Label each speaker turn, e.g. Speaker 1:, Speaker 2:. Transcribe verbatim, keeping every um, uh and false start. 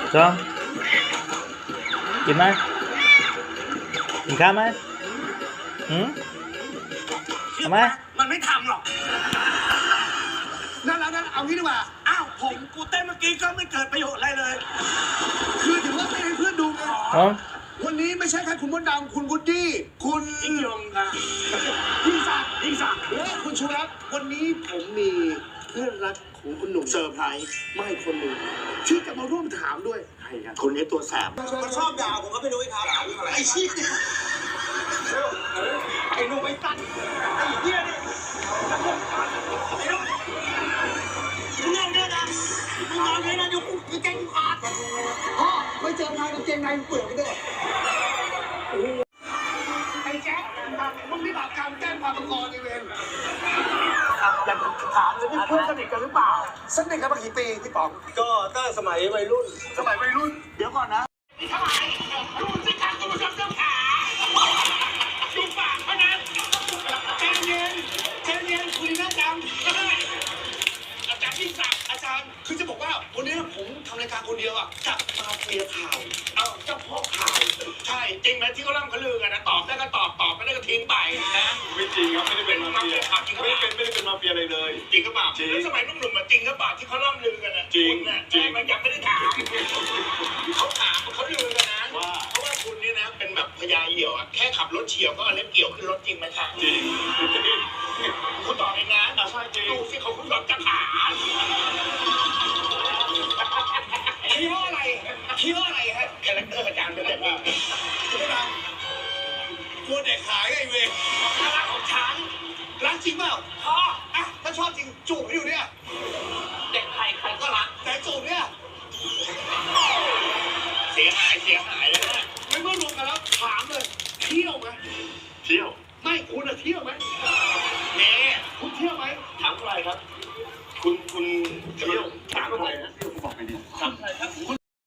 Speaker 1: ชมกินไหมกินข้าวไหมหืมทำไหม
Speaker 2: มันไม่ทำหรอก
Speaker 3: นั่นแล้วนั่นเอางี้ดีกว่า
Speaker 2: อ้าวผมกูเต้นเมื่อกี้ก็ไม่เกิดประโยชน์อะไรเลย
Speaker 3: คือถือว่าเต้นให้เพื่อนดูไง
Speaker 1: อ๋อ
Speaker 3: วันนี้ไม่ใช่แค่คุณมดดำคุณวูดดี้คุณ
Speaker 2: ยิ่งยงค่ะ
Speaker 3: ยิ่งศักดิ์
Speaker 2: ยิ่งสัก
Speaker 3: และคุณชูรัตน์วันนี้ผมมีเพื่อนรักของคุณหนุ่ม
Speaker 2: เซอร์ไพรส์
Speaker 3: ไม่คนหนึ่งที่จะมาร่วมถามด้วย
Speaker 2: ใครกันคนนี้ตัวแสบ
Speaker 4: มันชอบด่าผมก็ไม่รู้ครับไอ้ชี้ไอ้หนุ่มไอ้ตันไอ้เหี้ยนี่ไอ้หนุ่มมึงเล่นเนี่ยนะมึงนอนเลยนะเดี๋ยวกูเก่งขาดพ่อไม่เจอใครกับเกงในเปลือกไปด้วย
Speaker 3: ไอ้แจ๊คมึงนี่บาปกรรมแจ้งความประกอบในเวร
Speaker 2: อยากถามเลยนี่เพื่อนสนิทกันหรือเปล่า
Speaker 3: สนิทกันมากี่ปีพี่ป๋อง
Speaker 4: ก็ตั้งสมัยวัยรุ่น
Speaker 3: สมัยวัยรุ่น
Speaker 2: เดี๋ยวก่อนนะ
Speaker 5: นี่ทำไมรู้สิการตัวจำเจ้าขาดูปากเขานะใจเย็นใจเย็นคุณน่าจำอาจารย์ที่สักอาจารย์
Speaker 3: คือจะบอกว่าวันนี้ผมทำรายการคนเดียวอ่ะกับมาเฟียข่าว
Speaker 5: เอาเจ้าพ่อข่าวใช่จริงไหมที่เขาล่ำเขาลือกันนะตอบได้ก็ตอบตอบไม่ได้ก็ทิ้งไปนะ
Speaker 6: ไม่จริงครับไม่ได้เป็นมาเฟีย
Speaker 5: ข่าวจริงก็
Speaker 6: ไม่
Speaker 5: เป
Speaker 6: ได้
Speaker 5: ล่า
Speaker 6: เป็นไม่ได้เป็นมาเฟียอะไรเลย
Speaker 5: จริงก็เปล่า
Speaker 6: จริง
Speaker 5: แล้วสมัยหนุ่มๆมาจริงก็เปล่าที่เขาล่ำลือกันนะ
Speaker 6: จริง
Speaker 5: คุณน่ะ
Speaker 6: จริง
Speaker 5: มันยังไม่ได้ถามเขาถามเขาลือกันนะ
Speaker 6: ว่า
Speaker 5: เพราะว่าคุณนี่นะเป็นแบบพญาเหี่ยวอะแค่ขับรถเฉียวก็เอาเล็บเกี่ยวขึ้นรถจริงไหมคะ
Speaker 6: จริงจริง
Speaker 5: คุณตอบเองนะ
Speaker 6: ใช่จริง
Speaker 5: ดูสิเขาคุณตอบจะถาม
Speaker 3: คิดว่าอะไรคิดว่าอะไรฮะ
Speaker 5: คาแรคเตอร์อาจารย์เป็นแบบว่า
Speaker 3: คุณมดดำกลัวเด็กหายไงเวร
Speaker 5: น่ารักของฉัน
Speaker 3: รักจริงเปล่า
Speaker 5: พ่อ
Speaker 3: อ่ะถ้าชอบจริงจูบให้ดูเนี่ย
Speaker 5: เด็กไทยใครก็รัก
Speaker 3: แต่จูบเนี่ย
Speaker 5: เสียหายเสียหายเลยนะ
Speaker 3: ไม่เมื่อรวมกันแล้วถามเลยเที่ยวไหม
Speaker 6: เที่ยว
Speaker 3: ไม่คุณอะเที่ยวไหม
Speaker 5: เน่
Speaker 3: คุณเที่ยวไหม
Speaker 5: ถามใครครับ
Speaker 6: คุณคุณเที่ยว
Speaker 5: ถามใครนะ
Speaker 6: เที่ยวคุณบอกไปดิ
Speaker 5: ถามใครครับ
Speaker 3: คุณ